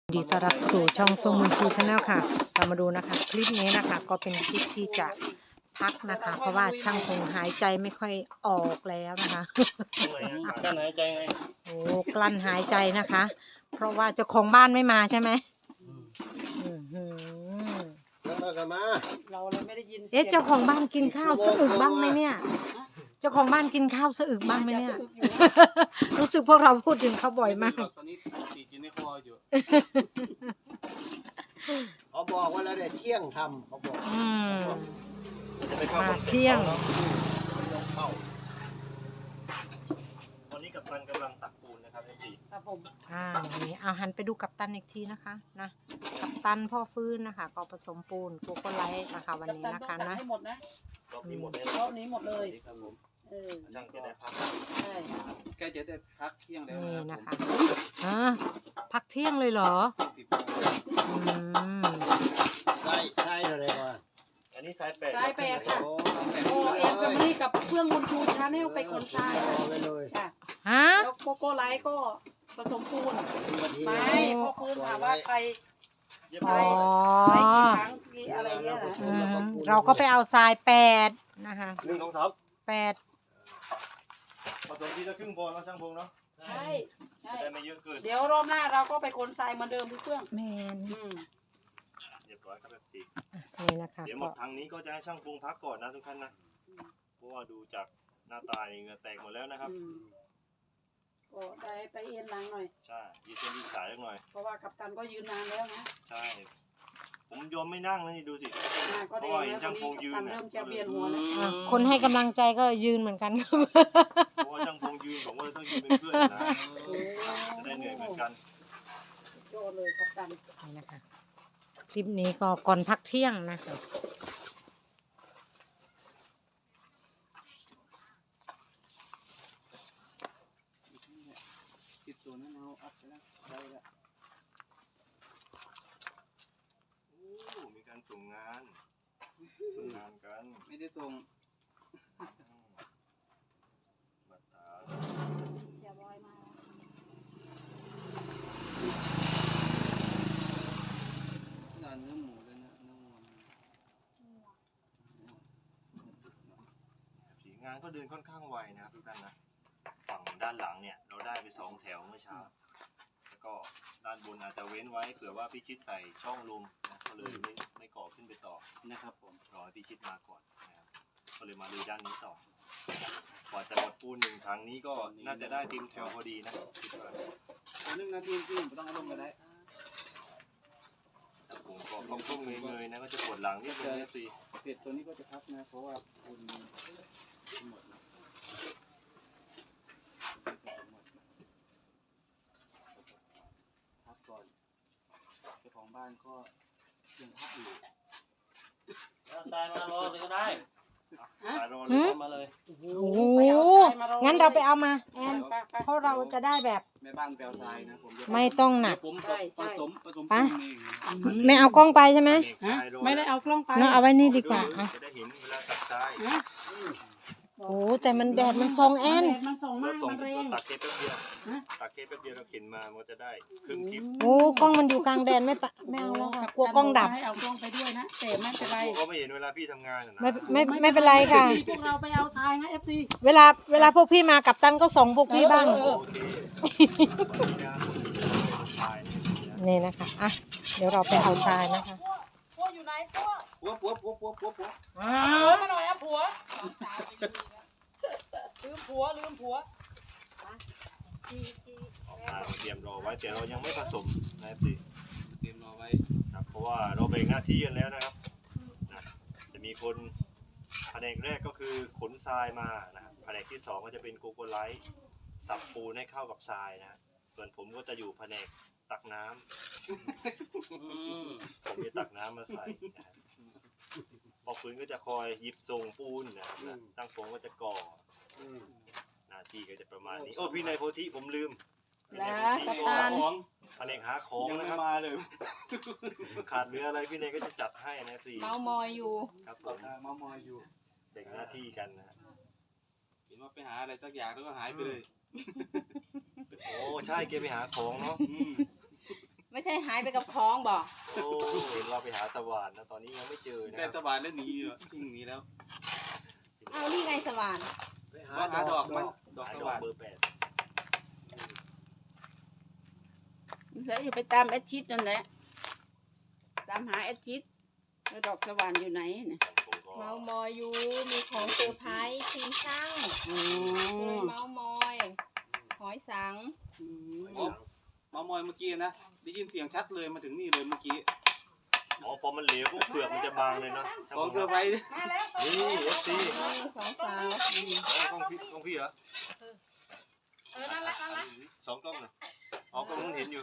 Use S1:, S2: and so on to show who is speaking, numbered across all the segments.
S1: ดีต้อนรับสู่ช่องเฟิร์มมูนชูชาแนลค่ะเรามาดูนะคะคลิปนี้นะคะก็เป็นคลิปที่จะพักนะคะเพราะว่าช่างคงหายใจไม่ค่อยออกแล้วนะคะ
S2: กั้นหายใจไง
S1: โอ้กลั้นหายใจนะคะ เพราะว่าเจ้าของบ้านไม่มาใช่ไหมอื้อหือ
S3: แล้วก็มา
S4: เราเลยไม่ได้ยิน
S1: เอ๊ะเจ้าของบ้านกินข้าวสะอึกบ้างไหมเนี่ย เจ้าของบ้านกินข้าวสะอึกบ้างไหมเนี่ย รู้สึกพวกเราพูดถึงเขาบ่อยมาก
S2: ตอนนี้ตีกินในคออยู่
S3: เขาบอกว่าแล้วได้เที่ยงทำเขาบอก
S1: อืม
S2: จะไปเข้า
S1: มาเที่ยง
S3: เข้า
S2: วันนี้กัปตันกำลังตักปูนนะครับไอ้จี
S4: ครับผม
S1: นี่เอาหันไปดูกัปตันอีกทีนะคะนะกัปตันพ่อฟื้นนะคะก็ผสมปูนโกโก้ไลท์นะคะวันนี้นะคะ
S4: ต้องตัด
S1: นะ
S4: ให้หมดนะ
S2: รอบนี้หมดเลย
S4: รอบนี้หมดเลย
S2: ครับผม
S4: ช่าง
S2: จะได้พัก
S4: ใช่
S2: ใกล้จะได้พักเที่ยงแล้ว
S1: นี่
S2: นะ
S1: นะคะพักเที่ยงเลยเหรออืม
S3: ใช่อะไรก่อน
S2: อันนี้สายแปด
S4: ทรายแปดค่ะ
S3: โอ้
S4: โอเอ็มแฟมิลี่กับเฟื่องบุญชูชาแนลไปขนทรายค่ะ
S3: ไปเลย
S4: ค่ะ
S1: ฮะ
S4: แล้วโกโก้ไลท์ก็ผสมปูน
S3: ที่
S4: ไม่พ่อฟื้นถามว่าใคร
S2: เยี่ยม
S1: อ๋อ
S4: ใช้กี่ครั้งกี่อะไรเงี้ยนะ
S1: อืมเราก็ไปเอาทราย8นะคะ
S2: 1 2 3
S1: 8
S2: ผสมทีละครึ่งพอแล้วช่างพงเนาะ
S4: ใช่ใช่
S2: จะได้ไม่เยอะเกิน
S4: เดี๋ยวรอบหน้าเราก็ไปขนทรายเหมือนเดิมพี่เฟื่อง
S1: แมน
S2: เรียบร้อยครับแบบจี
S1: นี่นะคะ
S2: เดี๋ยวหม
S1: ก็
S2: ดทางนี้ก็จะให้ช่างพงพักก่อนนะทุกท่านนะเพราะว่าดูจากหน้าตาเหงื่อแตกหมดแล้วนะครับ
S4: ก็ได้ไปเอ็นหลังหน่อย
S2: ใช่ยืดเส้นยืดสายสักหน่อย
S4: เพราะว่ากัปตันก็ยืนนานแล้วนะ
S2: ใช่ ผมยอมไม่นั่งนะนี่ดูสิ
S4: ก็แดงแล้วตอนนี้กัปตันเริ่มจะเวียนหัวแล้ว
S1: คนให้กำลังใจก็ยืนเหมือนกันครับ
S2: เพราะว่าช่างพงยืนผมก็เลยต้องยืนเป็นเพื่อนนะจะได้เหนื่อยเหมือนกัน
S4: โยนเลยกัปตัน
S1: นี่นะคะคลิปนี้ก็ก่อนพักเที่ยงนะคะ
S5: ติดตัวนั้นเอาอัพไปแล้วได้แล้ว
S2: โอ้มีการส่งงานกัน
S5: ไม่ได้ส่ง
S2: บัตรตา
S4: เสียบอยมา
S5: ดานเนื้อหมูเลยนะเนื้อวัว
S2: สีงานก็เดินค่อนข้างไวนะครับทุกท่านนะฝั่งด้านหลังเนี่ยเราได้ไป2 แถวเมื่อเช้าแล้วก็ด้านบนอาจจะเว้นไว้เผื่อว่าพี่ชิดใส่ช่องลมนะก็เลยไม่ก่อขึ้นไปต่อ
S5: นะครับผม
S2: รอให้พี่ชิดมาก่อนนะครับก็เลยมาดูด้านนี้ต่อกว่าจะหมดปูน1 ถังนี้ก็น่าจะได้เต็มแถวพอดีนะคิดว่า
S5: ตัวนึงนาทีพี่ไม่ต้องเอาลงก็ได้
S2: ผมก็ก้มๆเงยๆนะก็จะปวดหลังนิดนึงนะสิ
S5: เสร็จตัวนี้ก็จะพักนะเพราะว่าคุณหมดนะพักก่อนเจ้าของบ้านก็ยังพักอยู่
S6: ทรายมารอเลยก็ได้
S2: สายรอเลย
S6: มาเลย
S1: โอ้โหงั้นเราไปเอามาแอนเพราะเราจะได้แบบ
S5: แม่บ้านแปลวทรายนะผมจะ
S1: ไม่ต้องหนัก
S5: ผมผสมปูนเอง
S1: ไม่เอากล้องไปใช่ไหม
S4: ไม่ได้เอากล้องไป
S1: เนาะเอาไว้นี่ดีกว่าอ่ะ
S2: จะได้เห็นเวลาตัดทราย
S1: โอ้แต่มันแดดมันทรงแอน
S4: มันส่ง
S2: ร
S4: มา
S2: ถ
S4: ก
S2: ส่ง
S4: มันแรง
S2: ตัดเกปแป๊บเดียวตัดเกปแป๊บเดียวเราเข็นมามันจะได้ครึ่งคลิป
S1: โอ้กล้องมันอยู่กลางแดดไม่ปะไม่เอาแล้วค่ะกลัวกล้องดับ
S4: ให้เอากล้องไปด้วยนะแต่ไม่เป็นไร
S2: ก็ไม่เห็นเวลาพี่ทำงานนะ
S1: ไม่เป็นไรค่ะ
S4: พวกเราไปเอาทรายนะ FC
S1: เวลาพวกพี่มากับตันก็ส่งพวกพี่บ้าง
S2: โอเคทราย
S1: นี่นะคะอ่ะเดี๋ยวเราไปเอาทรายนะคะ
S4: ผัวอยู่ไหนผัว
S5: ปัว
S4: ผัวมาหน่อยอ่ะผัวลืมผัวลืมผัว
S2: เอาทรายมาเตรียมรอไว้แต่เรายังไม่ผสมนะครับพี่
S5: เตรียมรอไว้
S2: ครับเพราะว่าเราแบ่งหน้าที่กันแล้วนะครับนะจะมีคนแผนกแรกก็คือขนทรายมานะครับแผนกที่2ก็จะเป็นโกโกไลท์สับปูนให้เข้ากับทรายนะส่วนผมก็จะอยู่แผนกตักน้ำผมจะตักน้ำมาใส่นะครับพอฟื้นก็จะคอยหยิบส่งปูนนะครับจ้างฟงก็จะก่อหน้าที่ก็จะประมาณนี้โอ้พี่นายโพธิผมลืมพี่นายโพธิ
S1: กัป
S2: ก็
S1: ตัน
S2: แผนกหาของ
S5: ยัง
S2: นะ
S5: ไม่
S2: ครับ
S5: มาเลย
S2: ขาดเหลืออะไรพี่เนยก็จะจัดให้นะสิ
S4: เมามอยอยู่
S2: ครับผม
S5: เมามอยอยู่
S2: แบ่งหน้าที่กันนะ
S5: เห็นว่าไปหาอะไรสักอย่างแล้วก็หายไปเลย
S2: โอ้ใช่แกไปหาของเนาะ
S5: อืม
S4: ไม่ใช่
S7: ใช่หายไปกับคลองบ่
S2: โอ้เห็นเราไปหาสว่านนะตอนนี้ยังไม่เจอนะ
S5: ได้
S2: ค
S5: ส
S2: รับ
S5: บายแล้วหนีอยู่ชิ่งหนีแล้ว
S7: เอานี่ไงสว่าน
S3: ไปหา
S5: หา
S3: ด
S5: ด
S3: อ
S5: อก กมันดอก
S2: หา
S5: ส
S2: ดอก
S5: ว่าน
S2: เบอร์ 8
S4: แล้วอย่าไปตามแอดชิดจนแหละตามหาแอดชิดแล้วดอกสว่านอยู่ไหนเนี่ย
S2: ผมก็
S7: เมามอยอยู่มีของเซอร์ไพรส์ทีมช่าง
S4: อ๋
S7: ก็เลย
S4: อ
S7: เมามอยหอยสัง
S4: อืม
S5: มามอยเมื่อกี้นะได้ยินเสียงชัดเลยมาถึงนี่เลยเมื่อกี้
S2: อ๋อพอมันเหลวปุ๊บเปลือกมันจะบางเลยเนาะช่าง
S5: ของ
S2: ผม
S5: เซอร์ไพรส์
S2: นี่ FC
S7: สองสาว
S2: กล้องพี่เหรอสองกล้องเลยอ๋อกล้องนู้นเห็นอยู่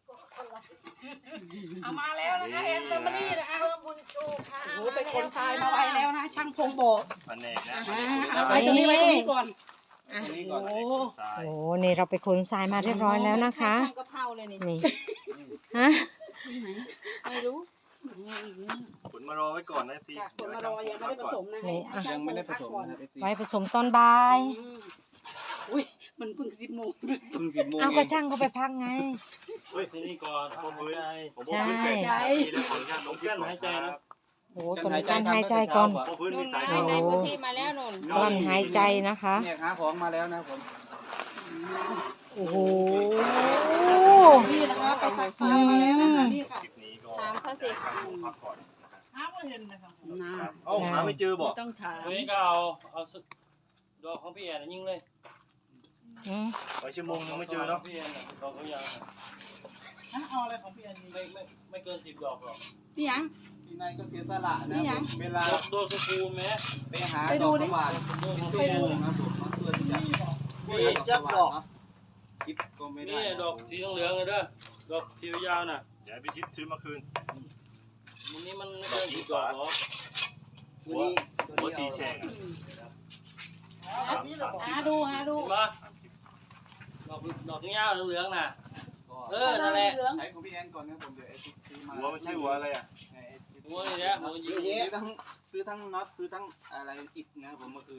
S4: เอามาแล้วนะคะแอนแฟมิลี่นะคะ
S1: เพิ่มบุญชูค่ะ
S4: โอ้โหไปขนทรายมาไว้แล้วนะช่างพงโบก
S2: แผนกนะ
S4: เอาไปตรงนี้ไว้ตรงนี้ก่อน
S5: ตรงนี้ก่อน
S2: แผนกขนทราย
S1: โอ้นี่เราไปขนทรายมาเรียบร้อยแล้วนะคะ
S7: ทำกะเพราเลยนี่
S1: นี่ฮะ
S7: ไม่รู้
S2: ขนมารอไว้ก่อนนะ FC
S4: จากคนมารอยังไม่ได้ผสมนะ
S1: นี่
S4: ให้
S5: ยังไม่ได้ผสม
S4: ก่อน
S5: นะครับ FC
S1: ไว้ผสมตอนบ่าย
S4: อืมอุ้ยมันเพิ่ง10 โมง
S5: เพิ่ง10 โมง
S1: เอา
S5: เอ
S1: ก็
S5: ง
S1: ช่างก็ไปพักไง
S2: เฮ้ย
S6: ที่นี่ก่อนพักหายใจ
S2: ผมบอกพื้นแปลก
S1: ใช่
S2: ทีแล้วขออนุญาตลงพื้นหายใจนะ
S1: โอ้ตัวนี้กั้นหายใจก่อน
S2: พอพื้น
S7: นู่
S2: มี
S7: น
S2: สาย
S7: ไง
S2: ลม
S7: ในพื้นที่มาแล้วนุ่น
S1: กลั้นหายใจนะคะ
S5: เนี่ยหาของมาแล้วนะผม
S1: โอ้โห
S4: นี่นะคะไปตักทรายมาแล้วนะคะนี่ค่ะ
S2: คลิปนี้ก็
S7: ถามเขาสิ
S2: พักก่อน
S4: นะ
S2: เอ้าหาไม่เจอบอก
S4: ไม่ต้องถาม
S6: วันนี้ก็เอาดอกของพี่แอนยิงเลย
S1: อืม
S2: ไปชั่วโมงนึงไม่เจอเนาะ
S6: พี่แอนดอกเขายาวเอาอะไรของพี่แอนไม่เกิน10 ดอกหรอก
S4: นี่ยัง
S5: พี่นายก็เสียสละ
S4: นี่
S5: นะ
S4: ยัง
S5: เวลา
S6: ตัวสกูแม้
S5: ไปหา
S4: ไป
S5: ด
S4: ดู
S5: อก
S4: ดิ
S5: สว่าน
S6: ตัวของ
S5: ชั่
S6: พี่
S5: ว
S6: แอน
S5: โมงครับผมเขาเตือนจะพี่ยักษ์ดอกคิดก็ไม่ได้
S6: นี่ดอกสีเหลืองเลยเด้อดอกสียาวน่ะ
S2: เดี๋ยวพี่ทิพย์ซื้อมาคืน
S6: วันนี้มันไม่เกิน10 ดอกหรอก
S2: หัวหัวสีแฉกอะสาม
S4: หาดู
S6: เห็นปะดอกยาวเหลืองๆน่ะนั่นแหละ
S4: เหลือง
S5: ใช้ของพี่แอนก่อนนะผมเดี๋ยวไอ้ที่ซื้อมา
S2: หัวมันใช่หัวอะไรอ่ะ
S6: หัวนี่แหละหัวยิง
S5: ซื้อทั้งน็อตซื้อทั้งอะไรอิฐนะครับผมเมื่อคืน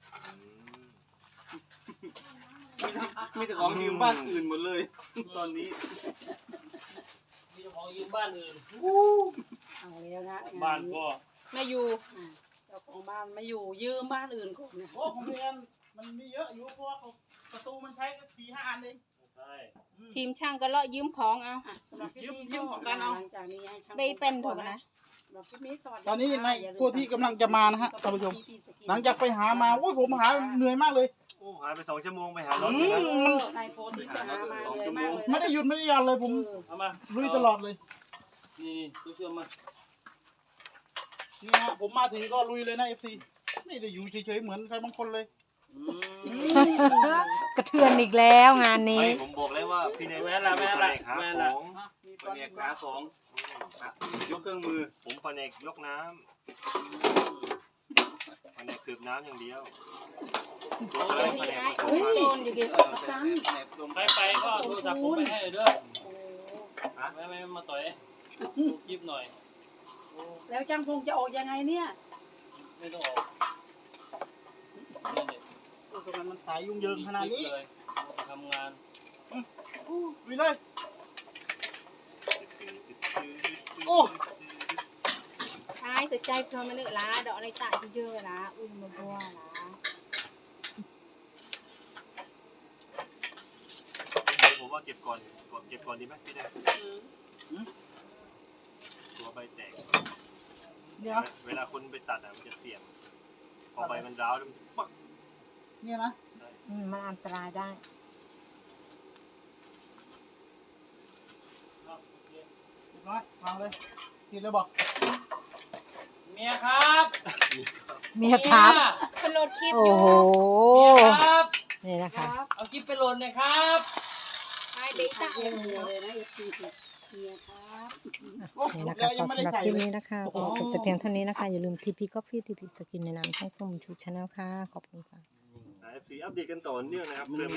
S5: มีแต่ของยืมบ้านอื่นหมดเลย ตอนนี้
S6: มีเจ้าของยืมบ้านอื่น
S4: เอาแล้วนะ
S6: บ้านก็
S7: ไม่อยู่
S4: เจ้าของบ้านไม่อยู่ยืมบ้านอื่นก่อนนะ
S8: โอ้ของพี่แอนมันมีเยอะอยู่เพราะว่าประตูมันใช้4-5 อันเอง
S6: ใช่
S7: ทีมช่างก็เลาะยืมของเอา
S4: อ่ะสำหรับคลิปนี้
S8: ยืม
S4: ก็
S8: ของกันเอา
S4: หลังจากนี้ให้ช่าง
S7: ได้เป็นถูกนะ
S4: สำหรับคลิปนี้สวัสดี
S8: ตอนนี้
S4: ค่ะ
S8: ใน
S4: อย่าลืม
S8: ตัวที่กำลังจะมานะฮะท่านผู้ชม
S4: พี่สน
S8: หลังจากไปหามาโอ้ยผมหาเหนื่อยมากเลย
S2: โอ้หายไป2 ชั่วโมงไปหารถเลยนะ
S4: นายโพธิไปหามาเลยมากเลย
S8: ไม่ได้หยุดไม่ได้หย่อนเลยผม
S6: เอามา
S8: ลุยตลอดเลย
S6: นี่ตู้เชื่อมมา
S8: นี่ฮะผมมาถึงก็ลุยเลยนะ FC ไม่ได้อยู่เฉยๆเหมือนใครบางคนเลย
S1: กระเทือนอีกแล้วงานนี้
S2: ไม่ผมบอกแล้วว่าพี่ในแม่หาของ
S8: มี
S5: แผนกหาของยกเครื่องมือ
S2: ผมแผนกยกน้ำแผนกสืบน้ำอย่างเดียวอะไรแผนกผสม
S7: โด
S2: พันธุ์
S7: นอยู่ดิ
S5: แผนกลม
S6: ใครไปก็โทรศัพท์ผมไปให้เด้อไม่มาต่อยคลิปหน่อย
S4: แล้วจ้างพงจะออกยังไงเนี่ย
S6: ไม่ต้องออก
S8: โอ้ยทำไมมันสายยุ่งเหยิงขนาดนี้
S6: เลยทำงาน
S8: ลุยเลยโอ้
S7: ใช่สนใจเพิ่มมาเนื้อละดอกอะไรตะเยอะๆละอุ้ยมาบัวละ
S2: ผมว่าเก็บก่อนดีไหมพี่แดงตัวใบแตก
S8: เนี่ย
S2: เวลาคนไปตัดมันจะเสี่ยงพอใบมันร้าวแล้วมันปัก
S8: เนี่ยนะ
S1: มันอันตรายได้
S8: เรียบร้อยวางเลยกินเลยบอก
S6: เมียครับ
S1: เมียครับ
S7: เป็นโหลดคลิป
S1: โอ้
S7: อยู่
S1: โห
S6: เมียครับ
S1: นี่นะคะ
S6: เอาคลิปไปโหลดหน่อยครับ
S7: ใช่เบต้า
S4: เรียกเมียเลยนะเมียครับ
S8: โอ้
S1: นี่
S8: หม
S1: นะ
S8: ด
S1: คะ
S8: แล้วยั
S1: ก็
S8: งไม่
S1: สำ
S8: ได้
S1: หรับ
S8: ใส่
S1: คลิป
S8: เลย
S1: นี้นะคะก็จบแต่เพียงเท่านี้นะคะ อย่าลืม TP Coffee TP Skin ในนามช่องส้มชูชาแนลค่ะ ขอบคุณค่ะ
S2: FC อัปเดตกันต่อเนื่องนะครับ